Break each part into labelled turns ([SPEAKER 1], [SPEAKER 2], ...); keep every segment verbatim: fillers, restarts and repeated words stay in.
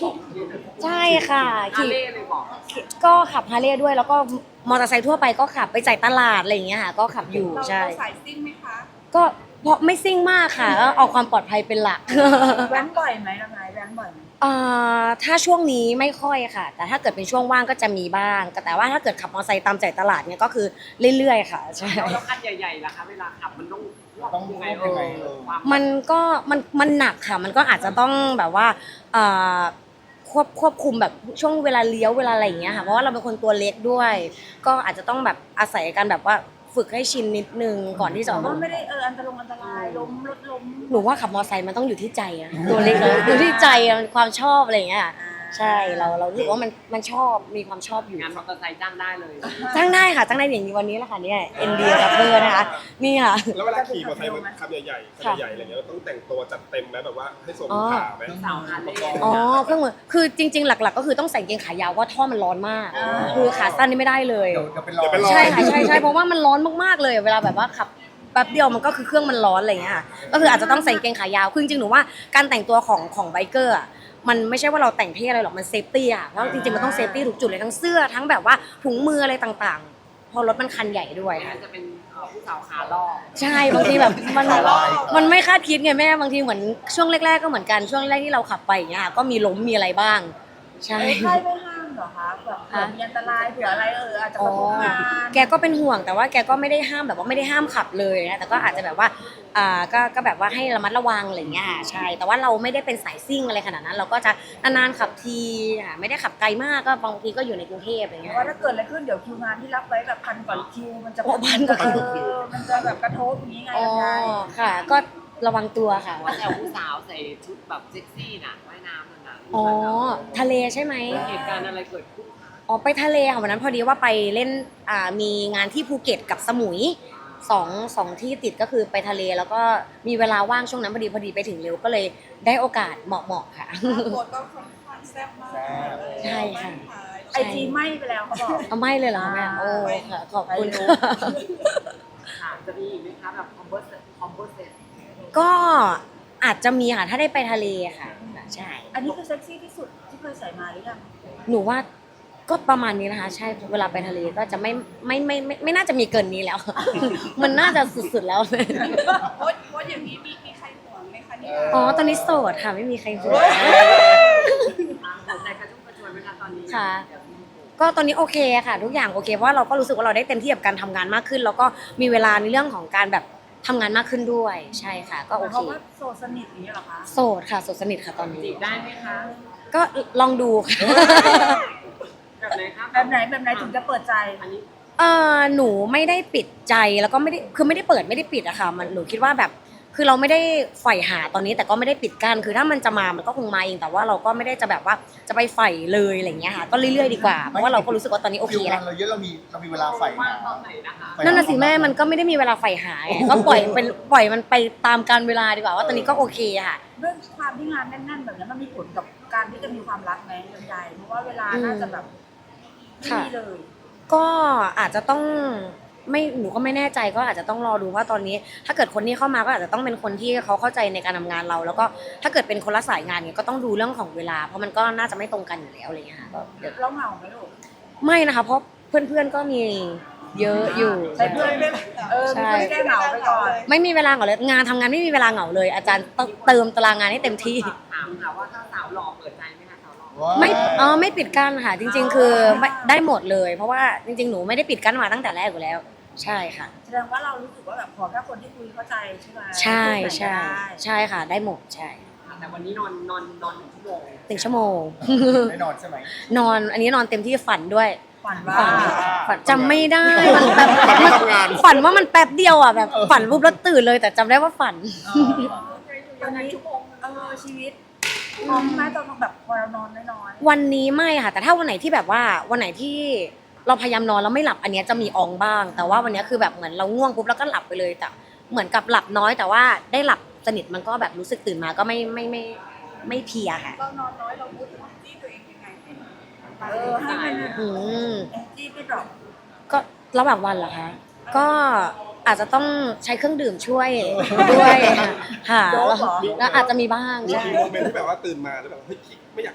[SPEAKER 1] ขี่ใช่ค่ะ
[SPEAKER 2] ฮา
[SPEAKER 1] ขี่
[SPEAKER 2] เล่เลยบอก
[SPEAKER 1] ก็ขับฮาร์เลย์ด้วยแล้วก็มอเตอร์ไซค์ทั่วไปก็ขับไปจ่ายตลาดอะไรอย่างเงี้ยค่ะก็ขับอยู่
[SPEAKER 3] เรา
[SPEAKER 1] ใช่
[SPEAKER 3] เราสายซิ่งไหมคะ
[SPEAKER 1] ก็เพราะไม่ซิ่งมากค่ะก็เอาความปลอดภัยเป็นหลัก
[SPEAKER 3] แว้นบ่อยไหมละไงแว้นบ่อยไหม
[SPEAKER 1] อ่าถ้าช่วงนี้ไม่ค่อยค่ะ แต่ถ้าเกิดเป็นช่วงว่างก็จะมีบ้างแต่ว่าถ้าเกิดขับมอเตอร์ไซค์ตามจ่ายตลาดเนี่ยก็คือเรื่อยๆค่ะใช่
[SPEAKER 2] แล้วคันใหญ่ๆล่ะคะเวลาขับมันต้อง
[SPEAKER 4] ต้อง
[SPEAKER 2] ยังไง
[SPEAKER 4] ยังไง
[SPEAKER 2] เอ
[SPEAKER 4] เอ
[SPEAKER 2] อ
[SPEAKER 4] อ
[SPEAKER 2] ความ
[SPEAKER 1] มันก็มันมันหนักค่ะมันก็อาจจะต้องแบบว่าอ่าควบควบคุมแบบช่วงเวลาเลี้ยวเวลาอะไรอย่างเงี้ยค่ะเพราะว่าเราเป็นคนตัวเล็กด้วย ก็อาจจะต้องแบบอาศัยการแบบว่าฝึกให้ชินนิดนึงก่อนที่จะ
[SPEAKER 3] แต่
[SPEAKER 1] ออก
[SPEAKER 3] ว่า
[SPEAKER 1] มา
[SPEAKER 3] ไม่ได้เอออันตรายอันตรายล้มรถล้ม
[SPEAKER 1] หนูว่าขับมอเตอร์ไซค์มันต้องอยู่ที่ใจอะตัวเล็กเลยอยู่ที่ใจอะมันความชอบอะไรอย่างเงี้ยใช่เราเรารู้สึกว่ามันมันชอบมีความชอบอยู่
[SPEAKER 2] งานมอเตอร์ไซค์จ้างได้เลย
[SPEAKER 1] จ้างได้ค่ะจ้างได้อย่างนี้วันนี้แหละค่ะเนี่ยเอ็นดีกับเบอร์นะคะนี่ค่ะ
[SPEAKER 5] แล้วเวลาขี่มอเตอร์ไซค์มันขับใหญ่ๆคันใหญ่ๆอะไรเงี้ยเราต้องแต่งตัวจัดเต็มไหมแบบว่าให้สมขาไหม
[SPEAKER 2] สาวฮาเล่
[SPEAKER 1] อ๋อเครื่องมือคือจริง ๆ หลัก ๆ ก็คือต้องใส่กางเกงขายาวว่าท่อมันร้อนมาก คือขาสั้นนี่ไม่ได้เลย
[SPEAKER 4] เดี๋ยวเดี๋ยวเป็นรอย
[SPEAKER 5] เดี๋ยวเป็นรอย
[SPEAKER 1] ใช่ค่ะใช่ใช่เพราะว่ามันร้อนมากๆเลย เวลาแบบว่าขับแป๊บเดียวมันก็คือเครื่องมันร้อนอะไรอย่างเงี้ยค่ะก็คืออาจจะต้องใส่กางเกงขายาวคือจริงๆหนูว่าการแต่งตัวของของไบเกอร์อะมันไม่ใช่ว่าเราแต่งเท่อะไรหรอกมันเซฟตี้อะเพราะจริงๆมันต้องเซฟตี้ทุกจุดเลยทั้งเสื้อทั้งแบบว่าถุงมืออะไรต่างๆเพอรถมันคันใหญ่ด้วย
[SPEAKER 2] ไม่
[SPEAKER 1] ค่ะ
[SPEAKER 2] งั้นจะเป็นเอ่อผู้สาวขาล่อ
[SPEAKER 1] ใช่บางทีแบบมันมันไม่คาดคิดไงแม่บางทีเหมือนช่วงแรกๆก็เหมือนกันช่วงแรกที่เราขับไปอย่างเงี้ยค่ะก็มีล้มมีอะไรบ้างใช่
[SPEAKER 3] ไอ้ใครไม่ห้ามเหรอคะแบบเผื่อมีอันตรายเผื่ออะไรเอออาจจะกระทบงาน
[SPEAKER 1] แกก็เป็นห่วงแต่ว่าแกก็ไม่ได้ห้ามแบบว่าไม่ได้ห้ามขับเลยนะแต่ก็อาจจะแบบว่าอ่าก็ก็แบบว่าให้ระมัดระวังอะไรอย่างเงี้ยใช่แต่ว่าเราไม่ได้เป็นสายซิ่งอะไรขนาดนั้น เราก็จะนานๆขับทีค่ะไม่ได้ขับไกลมากก็บางทีก็อยู่ในกรุงเทพอะไร
[SPEAKER 3] เพ
[SPEAKER 1] เงี้ย
[SPEAKER 3] ราะว่าถ้าเกิดอะไรขึ้นเดี๋ยวคิวงานที่รับไว้แบบพันกว่าคิวมันจะ
[SPEAKER 1] โอ้พันกว่าคิว
[SPEAKER 3] เออมันจะแบบกระทบอย่างนี้ไง
[SPEAKER 1] อ๋อ
[SPEAKER 3] ยังไง
[SPEAKER 1] ค่ะ ก็ระวังตัวค่ะ
[SPEAKER 2] ว่าแต่ผู้สาวใส่ชุดแบบเซ็กซี่น่ะว่ายน้ำนั่นน่ะ
[SPEAKER 1] อ๋อทะเลใช่ไหม
[SPEAKER 2] เหตุการณ์อะไรเกิดขึ้นคะ
[SPEAKER 1] อ๋อไปทะเลค่ะวันนั้นพอดีว่าไปเล่นอ่ามีงานที่ภูเก็ตกับสมุยสองสองที่ติดก็คือไปทะเลแล้วก็มีเวลาว่างช่วงนั้นพอดีพอดีไปถึงเร็วก็เลยได้โอกาสเหมาะๆค่ะ
[SPEAKER 3] บทก็ค่อนข้างแซ่บมาก
[SPEAKER 1] ใช่ค่ะ
[SPEAKER 3] ไอจีไหม้ไปแล้วเขาบอก
[SPEAKER 1] เอาไม่เลยเหรอแม่โอ้ค่ะขอบคุณ
[SPEAKER 3] ไม่รู้
[SPEAKER 2] ค่ะจะมีอีกไหมคะแบบคอมโบเซตคอมโบเซต
[SPEAKER 1] ก็อาจจะมีค่ะถ้าได้ไปทะเลค่ะใช่
[SPEAKER 3] อันนี้คือเซ็กซี่ที่สุดที่เคยใส่มาหรือยัง
[SPEAKER 1] หนูว่าก็ประมาณนี้นะคะใช่เวลาไปทะเลก็จะไม่ไม่ไม่ไม่ไม่น่าจะมีเกินนี้แล้ว มันน่าจะสุดๆแล้ว
[SPEAKER 3] โพสโพสอย่างนี้มีมีใครห่วงไหมคะเนี่ย
[SPEAKER 1] อ๋อตอนนี้โสดค่ะไม่มีใครห่วง
[SPEAKER 2] หัวใจกระชุ่มกระชวยไหมคะตอนนี้
[SPEAKER 1] ค่ะ ก็ตอนนี้โอเคค่ะ ทุกอย่างโอเคเพราะว่าเราก็รู้สึกว่าเราได้เต็มที่กับการทำงานมากขึ้น แล้วก็มีเวลาในเรื่องของการแบบทำงานมากขึ้นด้วยใช่ค่ะ ก็โอ
[SPEAKER 3] เพ
[SPEAKER 1] เค
[SPEAKER 3] ราะว่าโสดสนิทอย่างนี้เหรอคะ
[SPEAKER 1] โสดค่ะโสดสนิทค่ะตอน
[SPEAKER 2] จี
[SPEAKER 1] นี้
[SPEAKER 2] บได้ไหมคะ
[SPEAKER 1] ก็ลองดูค่ะ
[SPEAKER 2] แบบไหนคะ
[SPEAKER 3] แบบไหนแบบไหนถึงจะเปิดใจ
[SPEAKER 2] อันนี้
[SPEAKER 1] เออหนูไม่ได้ปิดใจแล้วก็ไม่ได้คือไม่ได้เปิดไม่ได้ปิดอะค่ะมันหนูคิดว่าแบบ คือเราไม่ได้ใฝ่หาตอนนี้แต่ก็ไม่ได้ปิดกั้นคือถ้ามันจะมามันก็คงมาเองแต่ว่าเราก็ไม่ได้จะแบบว่าจะไปใฝ่เลยอะไรอย่างเงี้ยค่ะก็เรื่อยๆดีกว่าเพราะว่าเราก็รู้สึกว่าตอนนี้โอเค
[SPEAKER 4] คิว
[SPEAKER 1] แล้
[SPEAKER 4] งา
[SPEAKER 1] วน
[SPEAKER 4] เราเยอะเรามีเรามีเวลาใส่
[SPEAKER 2] ว่า
[SPEAKER 4] หาง
[SPEAKER 2] ตอนไหนนะคะ
[SPEAKER 1] นั่นน่ะสิแม่มันก็ไม่ได้มีเวลาใฝ่หาไงก็ปล่อยเป็นปล่อยมันไปตามกาลเวลาดีกว่าว่าตอนนี้ก็โอเคค่ะ
[SPEAKER 3] เรื่องความที่งานแน่นๆแบบนี้มันมีผลกับการที่จะมีความรักไหมลำไยเพราะว่าเวลาน่าจะแบบไม่มีเลย
[SPEAKER 1] ก็อาจจะต้องไม่หนูก็ไม่แน่ใจก็อาจจะต้องรอดูว่าตอนนี้ ถ้าเกิดคนที่เข้ามาก็อาจจะต้องเป็นคนที่เขาเข้าใจในการทำงานเรา แล้วก็ถ้าเกิดเป็นคนละสายงานเนี่ยก็ต้องดูเรื่องของเวลา เพราะมันก็น่าจะไม่ตรงกันอยู่แล้วอะไรเงี้ยค่ะก็เดี๋ยว
[SPEAKER 3] เราเหงาไหมลูก
[SPEAKER 1] ไม่นะคะ เพราะเพื่อนๆก็มีเยอะอยู่
[SPEAKER 3] ใช่เพื่อนเออมีเพื่อนแก้เหงาไปก่อน
[SPEAKER 1] ไม่มีเวลาเหงาเลยงานทำงานไม่มีเวลาเหงาเลย อาจารย์ต้องเติมตารางงานให้เต็มที่
[SPEAKER 2] ถามค่ะว่าถ้าสาวหล่อเปิดใจไหมคะสาวหล่อ
[SPEAKER 4] ว้าว
[SPEAKER 1] ไม่อ๋อไม่ปิดกั้นค่ะ จริง ๆ คือไม่ได้หมดเลย เพราะว่าจริง ๆ หนูไม่ได้ปิดกั้นมาตั้งแต่แรกอยู่แล้ว ใช่ค่ะ
[SPEAKER 3] แสดงว่าเรารู้สึกว่าแบบขอแค่คนที่คุยเข้าใจใช่ไหม
[SPEAKER 1] ใช่
[SPEAKER 3] พูด
[SPEAKER 1] ใช่
[SPEAKER 3] ไหนก็ได้
[SPEAKER 1] ใช่ค่ะ ได้หมดใช่
[SPEAKER 2] แต่วันนี้นอนนอนนอนหนึ่งชั่วโมง
[SPEAKER 1] หนึ่งชั่วโมง
[SPEAKER 4] ไม่นอนใช่ไหม
[SPEAKER 1] นอนอันนี้นอนเต็มที่ฝันด้วย
[SPEAKER 3] ฝันว่า
[SPEAKER 1] ฝันฝันจำไม่ได้มันแบบ
[SPEAKER 5] ฝันว่าทำงาน
[SPEAKER 1] ฝันว่ามันแป๊บเดียวอ่ะแบบฝันปุ๊บแล้วตื่นเลยแต่จำได้ว่าฝัน
[SPEAKER 3] วันนี้เออชีวิตพร้อมไหมตอนแบบพอเรานอนน้อย
[SPEAKER 1] วันนี้ไม่ค่ะ แต่ถ้าวันไหนที่แบบว่าวันไหนที่เราพยายามนอนแล้วไม่หลับอันเนี้ยจะมีอองบ้าง แต่ว่าวันเนี้ยคือแบบเหมือนเราง่วงปุ๊บแล้วก็หลับไปเลยแต่เหมือนกับหลับน้อย แต่ว่าได้หลับสนิทมันก็แบบรู้สึกตื่นมาก็ไม่ไม่ไม่ไม่เพลียค่ะ
[SPEAKER 3] ๆเรานอนน้อยเราพูดจี้ตัวเองยังไงเออให้มัน
[SPEAKER 1] อืม
[SPEAKER 3] แอนจี้ไม่ดรอป
[SPEAKER 1] ก็ระหว่างวันเหรอคะก็อาจจะต้องใช้เครื่องดื่มช่วยด้วยค่ะแล้วแล้วอาจจะมีบ้าง
[SPEAKER 5] มี
[SPEAKER 1] ใช่
[SPEAKER 5] โมเมนต์ที่แบบว่าตื่นมาแล้วแบบเฮ้ยไม่อยากทำงาน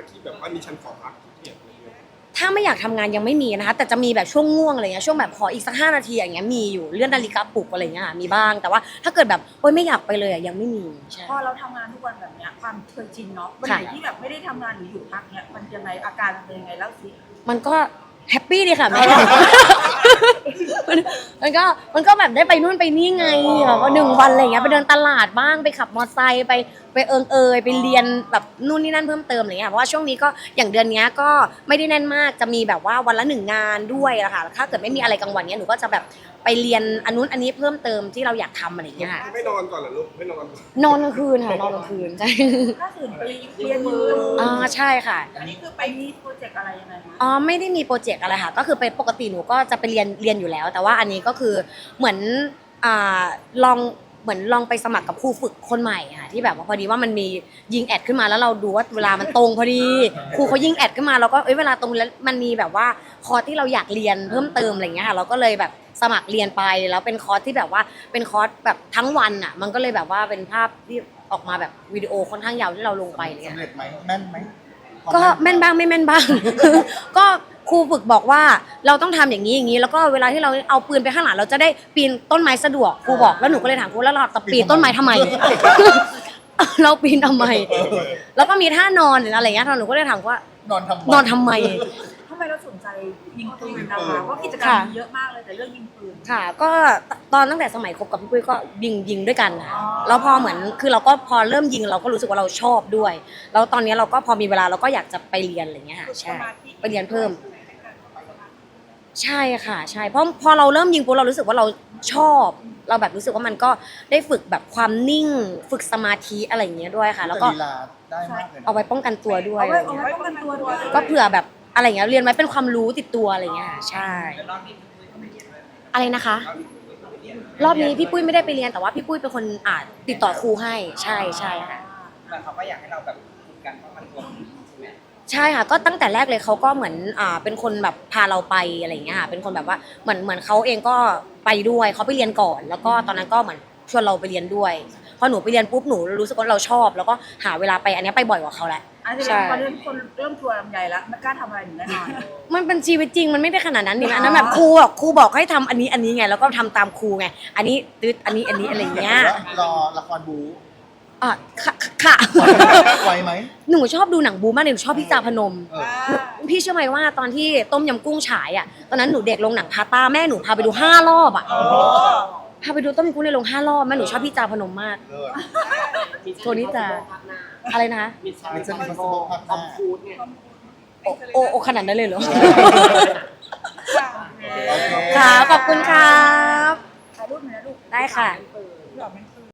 [SPEAKER 5] ที่แบบว่านี่ฉันขอพักขี้เกียจอะไรเงี้ย
[SPEAKER 1] ถ้าไม่อยากทำงานยังไม่มีนะคะแต่จะมีแบบช่วงง่วงอะไรเงี้ยช่วงแบบขออีกสักห้านาทีอย่างเงี้ยมีอยู่เลื่อนนาฬิกาปลุกอะไรเงี้ยค่ะมีบ้างแต่ว่าถ้าเกิดแบบโอ๊ยไม่อยากไปเลยอะยังไม่มีใช่
[SPEAKER 3] พอเราทำงานทุกวันแบบเนี้ยความเคยชินเนาะวันไหนที่แบบไม่ได้ทำงานหรืออยู่พักเนี้ยมันยังไงอาการมันเป็นยังไงเล่าสิ
[SPEAKER 1] มันก็แฮปปี้ดีค่ะแม่ มันมันก็มันก็แบบได้ไปนู่นไปนี่ไงแบบว่าหนึ่งวันอะไรเงี้ยไปเดินตลาดบ้างไปขับมอเตอร์ไซค์ไปไปเอิงเอยไปเรียนแบบนู่นนี่นั่นเพิ่มเติมอะไรเงี้ยเพราะว่าช่วงนี้ก็อย่างเดือนเนี้ยก็ไม่ได้แน่นมากจะมีแบบว่าวันละหนึ่งงานด้วยอะค่ะถ้าเกิดไม่มีอะไรกลางวันเนี้ยหนูก็จะแบบไปเรียนอันนู้นอันนี้เพิ่มเติมที่เราอยากทำอะไรเงี้ยค่ะ
[SPEAKER 5] ไม่นอนก่อนเหรอลูกไม่นอน
[SPEAKER 1] นอนกลางคืนค่ะนอนกลางคืนใช่
[SPEAKER 3] ถ้าตื่นไปเรียนมือ
[SPEAKER 1] อ่าใช่ค่ะ
[SPEAKER 3] อันนี้คือไปมีโปรเจกต์อะไรยังไงคะ
[SPEAKER 1] อ๋อไม่ได้มีโปรเจกต์อะไรค่ะก็คือเป็นปกติหนูก็จะไปเรียนเรียนอยู่แล้ว แต่ว่าอันนี้ก็คือเหมือนอ่าลองเหมือนลองไปสมัครกับครูฝึกคนใหม่ค่ะที่แบบว่าพอดีว่ามันมียิงแอดขึ้นมาแล้วเราดูว่าเวลามันตรงพอดีครูเขายิงแอดขึ้นมาเราก็เอ้ยเวลาตรงแล้วมันมีแบบว่าคอร์สที่เราอยากเรียนเพิ่มเติมอะไรเงี้ยค่ะเราก็เลยแบบสมัครเรียนไปแล้วเป็นคอร์สที่แบบว่าเป็นคอร์สแบบทั้งวันอ่ะมันก็เลยแบบว่าเป็นภาพที่ออกมาแบบวิดีโอค่อนข้างยาวที่เราลงไปเลย
[SPEAKER 4] สำเร็จไหมแม่นไหม
[SPEAKER 1] ก็แม่นบ้างไม่แม่นบ้าง ก็ครูฝึกบอกว่าเราต้องทำอย่างนี้อย่างนี้แล้วก็เวลาที่เราเอาปืนไปข้างหลังเราจะได้ปีนต้นไม้สะดวกครูบอกแล้วหนูก็เลยถามครูแล้วเราจะปีนต้นไม้ทำไม เราปีนทำไม แล้วก็มีท่านอนหรืออะไรเงี้ยหนูก็เลยถามว่าน
[SPEAKER 4] อนทำไม
[SPEAKER 1] นอนทำไม
[SPEAKER 3] ทำไมเราสนใจยิงปืนนะคะเพราะกิจกรรมมีเยอะมากเลยแต่เรื่องยิงปืน
[SPEAKER 1] ค่ะ ก็ตอนตั้งแต่สมัยคบกับพี่ปุ้ยก็ยิงยิงด้วยกันค่ะ
[SPEAKER 3] อ๋อ
[SPEAKER 1] แล้วพอเหมือนคือเราก็พอเริ่มยิงเราก็รู้สึกว่าเราชอบด้วย แล้วตอนนี้เราก็พอมีเวลาเราก็อยากจะไปเรียนอะไรเงี้ยค่ะใช่ไปเรียนเพิ่ม ใช่ค่ะใช่เพราะพอเราเริ่มยิงปุ๊บเรารู้สึกว่าเราชอบ เราแบบรู้สึกว่ามันก็ได้ฝึกแบบความนิ่ง ฝึกสมาธิอะไรอย่างเงี้ยด้วยค่ะ แล้วก็
[SPEAKER 4] ลีลาได้มากเลยนะ
[SPEAKER 1] เอาไว้ป้องกันตัวด้วย
[SPEAKER 3] เอา
[SPEAKER 1] อะไร
[SPEAKER 3] ไว้เอา
[SPEAKER 1] เงี้ย
[SPEAKER 3] ไว้ป้องกันตัวด้วย
[SPEAKER 1] ก็เผื่อแบบอะไรเงี้ยเรียนไว้เป็นความรู้ติดตัวอะไรเงี้ยค่ะใช่ อะไรนะคะ รอบนี้พี่ปุ้ยไม่ได้ไปเรียนแต่ว่าพี่ปุ้ยเป็นคนอ่าติดต่อครูให้ใช่ใช่ค่ะ
[SPEAKER 2] แต่เขาก็อยากให้เราแบบฝึกการป้องกันตัวใช่ไหม
[SPEAKER 1] ใช่ค่ะก็ตั้งแต่แรกเลยเขาก็เหมือนอ่าเป็นคนแบบพาเราไปอะไรอย่างเงี้ยค่ะเป็นคนแบบว่าเหมือนเหมือนเขาเองก็ไปด้วยเขาไปเรียนก่อน แล้วก็ตอนนั้นก็เหมือนชวนเราไปเรียนด้วยพอหนูไปเรียนปุ๊บหนูรู้สึกว่าเราชอบ แล้วก็หาเวลาไปอันเนี้ยไปบ่อยกว่าเขาแหละ
[SPEAKER 3] อันนี้
[SPEAKER 1] ใช่
[SPEAKER 3] ตอนนี้คนเริ่มทัวร์ลำไยแล้วไม่กล้าทำอะไรหนูแน่นอน
[SPEAKER 1] มันเป็นชีวิตจริงมันไม่ได้ขนาดนั้นนี่นะอันนั้นแบบครูบอกครูบอกให้ทำอันนี้อันนี้ไงแล้วก็ทำตามครูไงอันนี้ตืดอันนี้อันนี้อะไรอย่างเงี้ย
[SPEAKER 4] รอละครบู
[SPEAKER 1] อ่ะค่ะค่ะ
[SPEAKER 4] ไหวไหม
[SPEAKER 1] หนูชอบดูหนังบูมากเลยหนูชอบพี่จาพนม
[SPEAKER 4] เออ
[SPEAKER 1] พี่เชื่อไหมว่าตอนที่ต้มยำกุ้งฉายอ่ะตอนนั้นหนูเด็กลงหนังพาต้าแม่หนูพาไปดูห้ารอบอ่ะพาไปดูต้มยำกุ้งในโรงห้ารอบแม่หนูชอบพี่จาพนมมาก
[SPEAKER 4] เลิศ
[SPEAKER 1] โทนี่จะอะไรนะคะ
[SPEAKER 5] มิชชั่น
[SPEAKER 4] Mission
[SPEAKER 5] ค
[SPEAKER 4] Impossible ภาคห
[SPEAKER 5] อ
[SPEAKER 4] น้า
[SPEAKER 5] มพูดเนี่ย
[SPEAKER 1] โอโอโอขนาดนั้นเลยเหรอ
[SPEAKER 4] โอเค
[SPEAKER 1] ค่ะขอบคุณครับ
[SPEAKER 3] ถ่ายรูปหน่อยนะลูก
[SPEAKER 1] ได้ค่ะ
[SPEAKER 3] หล่อมัน